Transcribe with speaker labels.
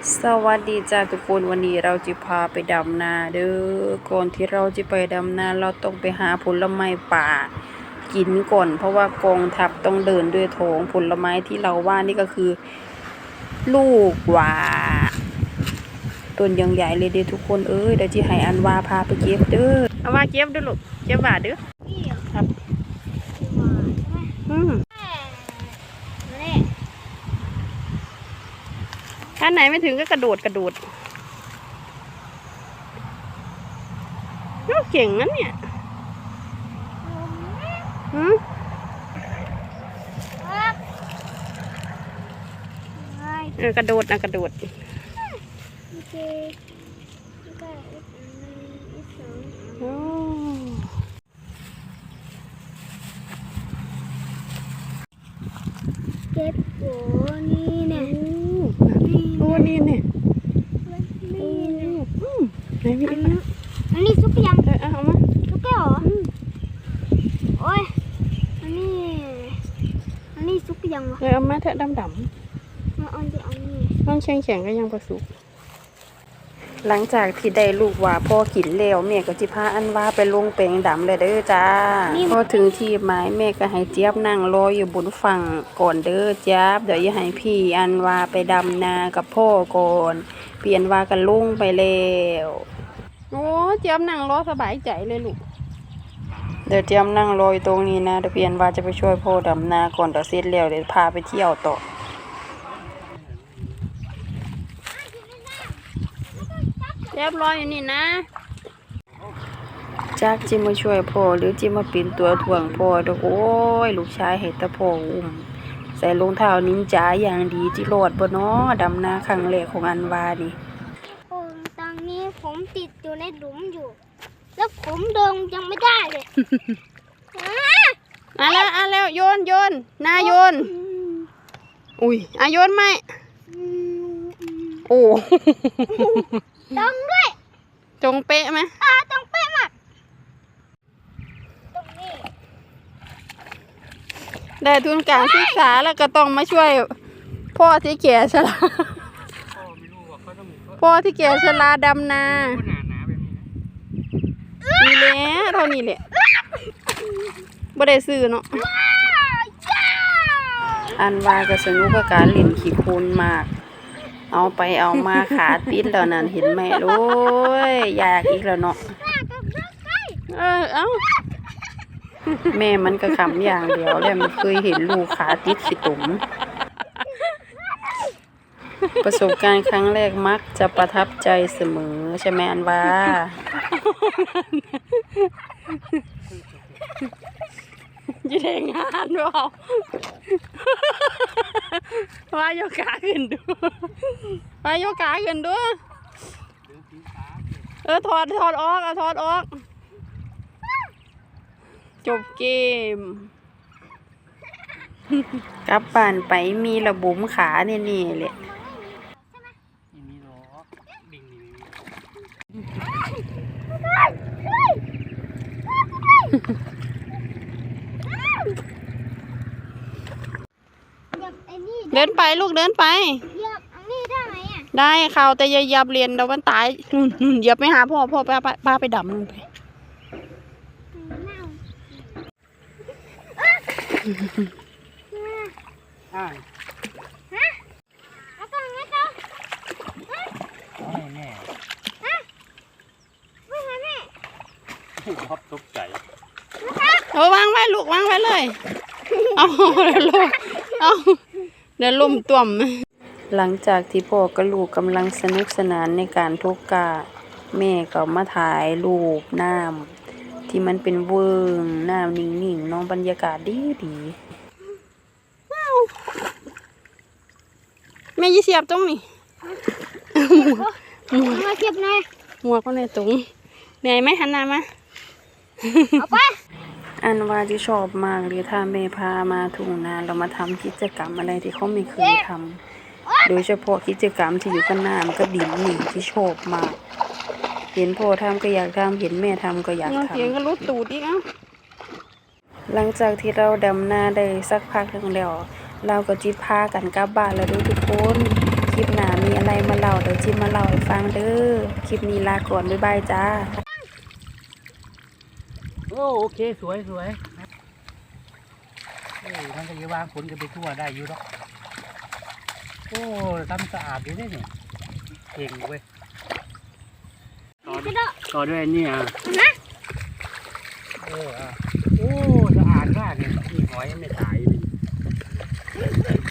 Speaker 1: สวัสดีจ้าทุกคนวันนี้เราจะพาไปดำนาเด้อก่อนที่เราจะไปดำนาเราต้องไปหาผลไม้ป่ากินก่อนเพราะว่ากองทัพต้องเดินด้วยท้องผลไม้ที่เราว่านี่ก็คือลูกหว่าต้นยังใหญ่เลยเด้อทุกคนเดี๋ยวจะให้อันวาพาไปเก็บเด้อเอาว่าเก็บเด้อลูกเก็บหว่าเด้อครับถ้าไหนไม่ถึงก็กระโดดเก่งนั้นเนี่ยกระโดดนะกระโดด
Speaker 2: เก็บโอ้นี่เนี่ย
Speaker 1: โอ้นี่เนี่ยไหนพี่
Speaker 2: อันนี้ซุกยัง
Speaker 1: เอามา
Speaker 2: ซุกแก้วเหรอโอ้ยอันนี้ซุกยังวะ
Speaker 1: เอามาเถอะดำ
Speaker 2: เอานี่
Speaker 1: มันแข็งก็ยังประสุกหลังจากที่ได้ลูกว่าพ่อกินแล้วแม่ก็จิพาอันว่าไปลงแปลงดำเลยเด้อจ้าพอถึงที่หมายแม่ก็ให้เจี๊ยบนั่งรออยู่บนฝั่งก่อนเด้อเจี๊ยบเดี๋ยวอย่าให้พี่อันว่าไปดำนากับพ่อก่อนเปลี่ยนว่ากันลงไปแล้วโอ้เจี๊ยบนั่งรอสบายใจเลยลูกเดี๋ยวเจี๊ยบนั่งรออยู่ตรงนี้นะเดี๋ยวเปลี่ยนว่าจะไปช่วยพ่อดำนาก่อนเดี๋ยวเสร็จแล้วเดี๋ยวพาไปเที่ยวต่อเรียบร้อยอยู่นี่นะจักจิมาช่วยพ่อหรือจิมาปีนตัวถ่วงพ่อเด้อโอ้ยลูกชายให้ตะพ่ออุ้มใส่รองเท้านินจาอย่างดีจิรอดบ่น้อดำนาครั้งแรกของอันวานี่
Speaker 2: ตอนนี้ผมติดอยู่ในหลุมอยู่แล้วผมเดินยังไม่ได้เลย
Speaker 1: แล้วโยนนาโยนอุ้ยโยนไหมโอ้
Speaker 2: ตรงด้วย
Speaker 1: จงเป๊ะไหม
Speaker 2: ตรงเป๊ะมากตรงนี้
Speaker 1: ได้ทุนการศึกษาแล้วก็ต้องมาช่วยพ่อที่แก่ชราพ่อที่แก่ชราดำนานี่แหละเท่านี้แหละบ่ได้ซื้อเนาะอันว่าก็สนุกกับการเล่นขี้โคลนมากเอาไปเอามาขาติดแล้วนั่นเห็นไหมโอ้ยอยากอีกแล้วเนาะแม่มันก็ขำอย่างเดียวแล้วมันเคยเห็นลูกขาติดขี้ตุ่มประสบการณ์ครั้งแรกมักจะประทับใจเสมอใช่ไหมอันว่าจะได้งานเปล่าว่าโยกาขึ้นดูว่าโยกาขึ้นดูถอดออกจบเกมกลับบ้านไปมีระบุมขาเนี่ยเลยเดินไปลูกเดินไปได้ข่าวแต่อย่าเหยียบเรียนเดี๋ยวมันตายเหยียบไม่หาพ่อป้าไปดำลงไป
Speaker 3: ครับตกใจ
Speaker 1: วางไว้ลูกวางไว้เลยเอาเดี๋ยวลุ่มต่วมหลังจากที่พ่อกับลูกกำลังสนุกสนานในการทกกาแม่ก็มาถ่ายรูปน้ำที่มันเป็นเวิ้งน้ำนิ่งๆน้องบรรยากาศดีแม่ยี่เสียบตรงนี้
Speaker 2: มาเก็บหน่อย
Speaker 1: หัวก็ในตรงเหนื่อยไหมหันหน้ามา
Speaker 2: เอาไป
Speaker 1: อันว่าที่ชอบมากเลยถ้าแม่พามาทุ่งนาเรามาทำกิจกรรมอะไรที่เขาไม่เคยทำโดยเฉพาะกิจกรรมที่อยู่กับน้ำกับดินนี่ที่ชอบมากเห็นพ่อทำก็อยากทำเห็นแม่ทำก็อยากทำเสียงก็รุดตูดอีกหลังจากที่เราดำนาได้สักพักหนึ่งแล้วเราก็จิพากันกลับบ้านแล้วทุกคนคลิปหน้ามีอะไรมาเล่าเดี๋ยวจิมาเล่าให้ฟังเด้อคลิปนี้ลาก่อนบ๊ายบายจ้า
Speaker 3: โอเคสวยมันก็จะวางผลกันไปทั่วได้อยู่หรอกโอ้ทำสะอาดอยู่เนี่ยเก่งเว้ยต่อด้วยอันนี่โอ้สะอาดมากเลยนี่หอยไม่ตายเลย